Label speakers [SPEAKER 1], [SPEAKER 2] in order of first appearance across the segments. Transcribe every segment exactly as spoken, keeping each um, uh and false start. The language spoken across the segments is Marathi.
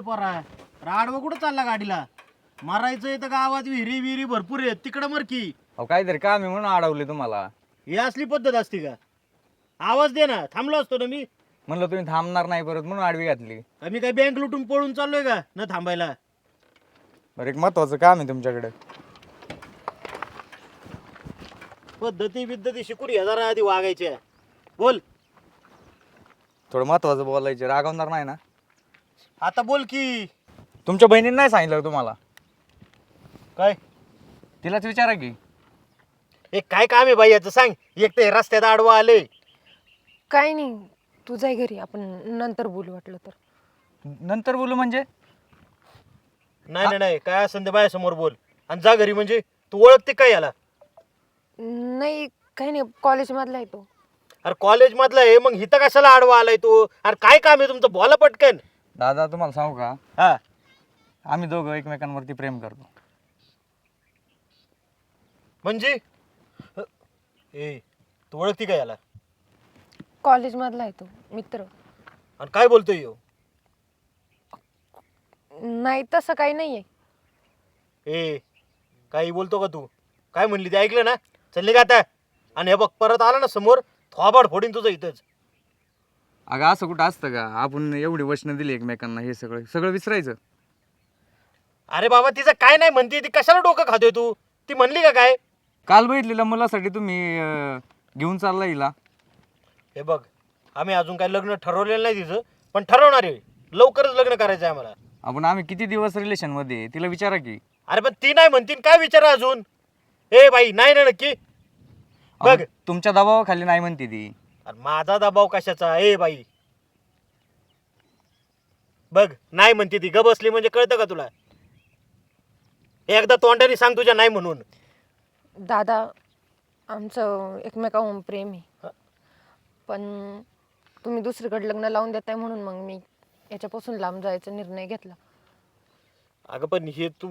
[SPEAKER 1] पोरा राडवं कुठं चालला गाडीला मारायचं तर गावात विहिरी विहिरी भरपूर आहेत तिकडं मर की
[SPEAKER 2] अहो काहीतरी काम आहे म्हणून अडवले तुम्हाला.
[SPEAKER 1] ही असली पद्धत असते का? आवाज दे ना, थांबलो असतो ना मी.
[SPEAKER 2] म्हणलं तुम्ही थांबणार नाही परत म्हणून आडवी घातली.
[SPEAKER 1] आम्ही काय बँक लुटून पळून चाललोय का न थांबायला?
[SPEAKER 2] बरं एक महत्वाचं काम आहे तुमच्याकडे.
[SPEAKER 1] पद्धती बिद्धती शिकून या जरा आधी वागायच्या. बोल.
[SPEAKER 2] थोडं महत्वाचं बोलायचं, रागवणार नाही ना?
[SPEAKER 1] आता बोल की.
[SPEAKER 2] तुमच्या बहिणीने नाही सांगितलं तुम्हाला?
[SPEAKER 1] काय
[SPEAKER 2] तिलाच विचारा की.
[SPEAKER 1] हे काय काम आहे बाई याचं सांग. एक ते रस्त्यात आडवं आले.
[SPEAKER 3] काय नाही, तू जाय घरी, आपण नंतर बोलू वाटलं तर.
[SPEAKER 2] नंतर बोलू म्हणजे?
[SPEAKER 1] नाही नाही नाही काय असं ते बायासमोर बोल आणि जा घरी. म्हणजे तू ओळखते काय याला?
[SPEAKER 3] नाही काही नाही, कॉलेजमधला आहे तो.
[SPEAKER 1] अरे कॉलेज मधला आहे मग इथं कशाला आडवा आलाय तू? अरे काय काम आहे तुमचं? बोला पटकन.
[SPEAKER 2] दादा तुम्हाला सांगू का,
[SPEAKER 1] हा
[SPEAKER 2] आम्ही दोघं एकमेकांवरती प्रेम करतो.
[SPEAKER 1] म्हणजे ए तू ओळखते काय याला?
[SPEAKER 3] कॉलेजमधला आहे तो मित्र.
[SPEAKER 1] आणि काय बोलतोय ह्यो?
[SPEAKER 3] नाही तसं काही नाही आहे.
[SPEAKER 1] ए काही बोलतो का तू? काय म्हणली ते ऐकलं ना? चलले का आता? आणि हे बघ परत आला ना समोर थोबाड फोडीन तुझं इथंच.
[SPEAKER 2] अगं असं कुठं असतं का? आपण एवढी वचनं दिली एकमेकांना, हे सगळं सगळं विसरायचं.
[SPEAKER 1] अरे बाबा तिचं काय नाही म्हणते ती, कशाला डोकं खातोय तू? ती म्हणली का काय?
[SPEAKER 2] काल बघितलेल्या मुलासाठी तुम्ही अं, घेऊन चालला हिला.
[SPEAKER 1] हे बघ आम्ही अजून काय लग्न ठरवलेलं नाही तिचं, पण ठरवणार आहे. लवकरच लग्न करायचं आहे आम्हाला.
[SPEAKER 2] आपण आम्ही किती दिवस रिलेशन मध्ये आहे, तिला विचारा की.
[SPEAKER 1] अरे पण ती नाही म्हणतीन काय विचारा अजून? ए बाई नाही ना नक्की? बघ
[SPEAKER 2] अहो, तुमच्या दबावाखाली नाही म्हणते ती.
[SPEAKER 1] अरे माझा दबाव कशाचा? ए बाई बघ नाही म्हणते ती. ग बसली म्हणजे कळतं का तुला? एकदा तोंडाने सांग तुझ्या नाही म्हणून.
[SPEAKER 3] दादा आमचं एकमेकाहून प्रेम आहे, पण तुम्ही दुसरीकडे लग्न लावून देताय म्हणून मग मी याच्यापासून लांब जायचा निर्णय घेतला.
[SPEAKER 1] अगं पण हे तू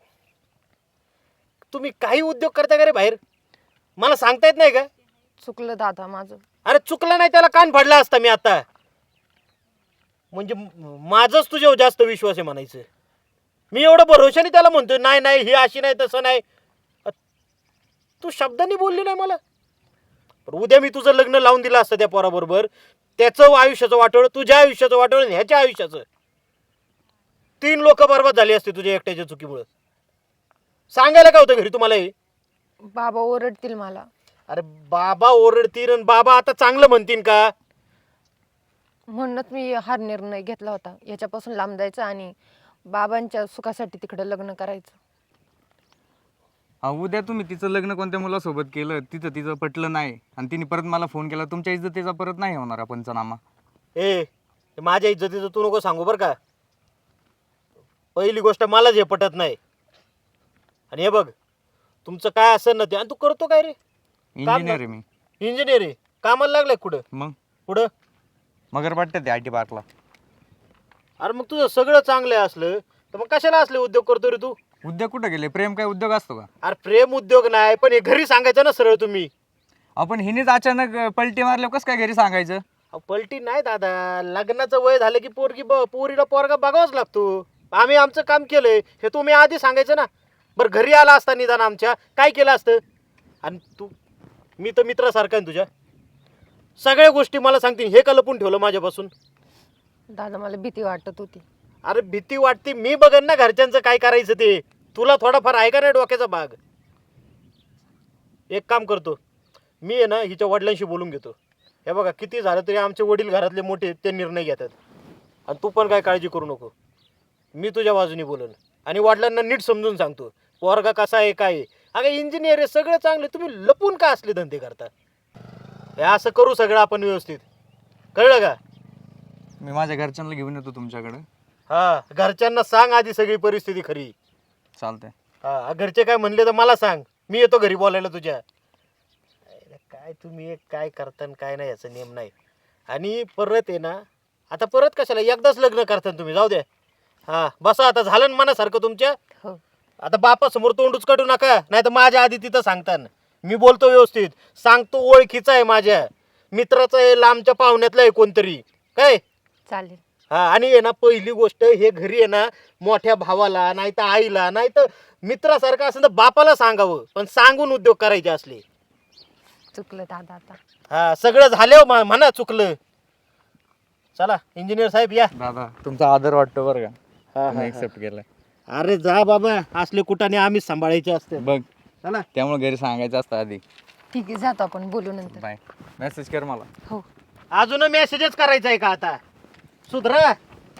[SPEAKER 1] तुम्ही काही उद्योग करता का रे बाहेर? मला सांगता येत नाही का?
[SPEAKER 3] चुकलं दादा माझं.
[SPEAKER 1] अरे चुकलं नाही त्याला कान फाडला असता मी आता. म्हणजे माझंच तुझ्यावर जास्त विश्वास आहे म्हणायचं. मी एवढं भरोशाने त्याला म्हणतोय नाही नाही ही अशी नाही तसं नाही. तू शब्दांनी बोलली नाही मला. पण उद्या मी तुझं लग्न लावून दिलं असतं त्या पोराबरोबर, त्याचं आयुष्याचं वाटोळं, तुझ्या आयुष्याचं वाटोळं आणि ह्याच्या आयुष्याचं. तीन लोक बरबाद झाली असते तुझ्या एकट्याच्या चुकीमुळे. सांगायला काय होतं घरी तुम्हाला हे?
[SPEAKER 3] बाबा ओरडतील मला.
[SPEAKER 1] अरे बाबा ओरडतील आणि बाबा आता चांगलं म्हणतील का?
[SPEAKER 3] म्हणूनच मी हा निर्णय घेतला होता, याच्यापासून लांब जायचं आणि बाबांच्या सुखासाठी तिकडे लग्न करायचं.
[SPEAKER 2] अहो, उद्या तुम्ही तिचं लग्न कोणत्या मुलासोबत केलं, तिथं तिचं पटलं नाही आणि तिने परत मला फोन केला, तुमच्या इज्जतीचा परत नाही होणार पंचनामा.
[SPEAKER 1] ए माझ्या इज्जतीचं तू नको सांगू बरं का. पहिली गोष्ट मलाच हे पटत नाही. आणि हे बघ तुमचं काय असं ना ते. आणि तू करतो काय रे?
[SPEAKER 2] इंजिनियर आहे मी.
[SPEAKER 1] इंजिनियर आहे? कामाला लागलाय कुठं?
[SPEAKER 2] मग
[SPEAKER 1] कुठं?
[SPEAKER 2] मगर वाटतं ते आय टी पार्कला.
[SPEAKER 1] अरे मग तुझं सगळं चांगलं असलं तर मग कशाला असले उद्योग करतो रे तू?
[SPEAKER 2] उद्योग कुठं गेले? प्रेम काय उद्योग असतो का?
[SPEAKER 1] अरे प्रेम उद्योग नाही, पण हे घरी सांगायचं ना सरळ तुम्ही.
[SPEAKER 2] आपण हिनेच अचानक पलटी मारल्यावर कसं काय घरी सांगायचं?
[SPEAKER 1] अहो, पलटी नाही दादा. लग्नाचं वय झालं की पोरगी ब पोरीला पोरगा बघावाच लागतो. आम्ही आमचं काम केलंय हे तुम्ही आधी सांगायचं ना. बरं घरी आला असता निदान आमच्या काय केलं असतं? आणि तू मी तर मित्रासारखा आहे तुझ्या. सगळ्या गोष्टी मला सांगतील. हे का लपून ठेवलं माझ्यापासून?
[SPEAKER 3] दादा मला भीती वाटत होती.
[SPEAKER 1] अरे भीती वाटते मी बघन ना घरच्यांचं काय करायचं ते. तुला थोडाफार आहे का नाही डोक्याचा भाग? एक काम करतो मी आहे ना हिच्या वडिलांशी बोलून घेतो. हे बघा किती झालं तरी आमचे वडील घरातले मोठे ते निर्णय घेतात. आणि तू पण काय काळजी करू नको. मी तुझ्या बाजूने बोलन आणि वडिलांना नीट समजून सांगतो पोरगा कसा आहे काय आहे. अगं इंजिनियर आहे सगळं चांगलं, तुम्ही लपून का असले धंदे करता? हे असं करू सगळं आपण व्यवस्थित. कळलं का?
[SPEAKER 2] मी माझ्या घरच्यांना घेऊन येतो तुमच्याकडे.
[SPEAKER 1] हा घरच्यांना सांग आधी सगळी परिस्थिती खरी.
[SPEAKER 2] चालतंय.
[SPEAKER 1] हा घरचे काय म्हणले तर मला सांग, मी येतो घरी बोलायला तुझ्या. अरे काय तुम्ही एक काय करता आणि काय नाही याचा नियम नाही. आणि परत आहे ना आता परत कशाला एकदाच लग्न करता तुम्ही. जाऊ द्या. हा बसा आता झालं ना मनासारखं तुमच्या.
[SPEAKER 3] हो
[SPEAKER 1] आता बापासमोर तोंडूच काढू नका, नाही तर माझ्या आधी तिथं सांगता. मी बोलतो व्यवस्थित सांगतो. ओळखीचा आहे माझ्या मित्राचा आहे, लांबच्या पाहुण्यातला आहे कोणतरी. काय
[SPEAKER 3] चालेल.
[SPEAKER 1] हा आणि आहे ना पहिली गोष्ट हे घरी आहे ना मोठ्या भावाला नाही तर आईला नाही तर मित्रासारखं असं तर बापाला सांगावं पण सांगून उद्योग करायचे असले.
[SPEAKER 3] चुकलं दादा आता.
[SPEAKER 1] हा सगळं झालं म- म्हणा चुकलं. चला इंजिनियर साहेब या.
[SPEAKER 2] दादा तुमचा आदर वाटतो बरं का,
[SPEAKER 1] हा, हा,
[SPEAKER 2] तुम्ही
[SPEAKER 1] हा.
[SPEAKER 2] एक्सेप्ट केलाय.
[SPEAKER 1] अरे जा बाबा असले कुठाने आम्हीच सांभाळायचे असते.
[SPEAKER 2] बघ
[SPEAKER 1] चला
[SPEAKER 2] त्यामुळे घरी सांगायचं असतं आधी.
[SPEAKER 3] ठीक आहे जातो आपण बोलू नंतर.
[SPEAKER 2] बाय, मेसेज कर मला.
[SPEAKER 3] हो.
[SPEAKER 1] अजून मेसेजच करायचा आहे का आता सुधरा.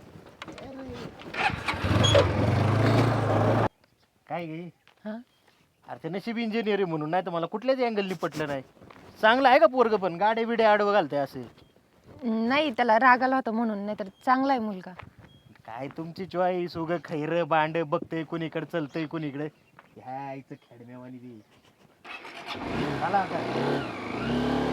[SPEAKER 1] काय गे
[SPEAKER 3] हा
[SPEAKER 1] अरे ते नशीब इंजिनिअर म्हणून नाही तर मला कुठल्याच अँगलनी पटलं नाही. चांगलं आहे का पोरग पण गाडे बिडे आडवं घालते असे.
[SPEAKER 3] नाही त्याला राग आला होता म्हणून, नाही तर चांगला आहे मुलगा.
[SPEAKER 1] काय तुमची चॉईस उग खैर बांड बघतय कोणीकडे चलतय कोणीकडे ह्या आईचं खेडम्यावानी बी. चला आता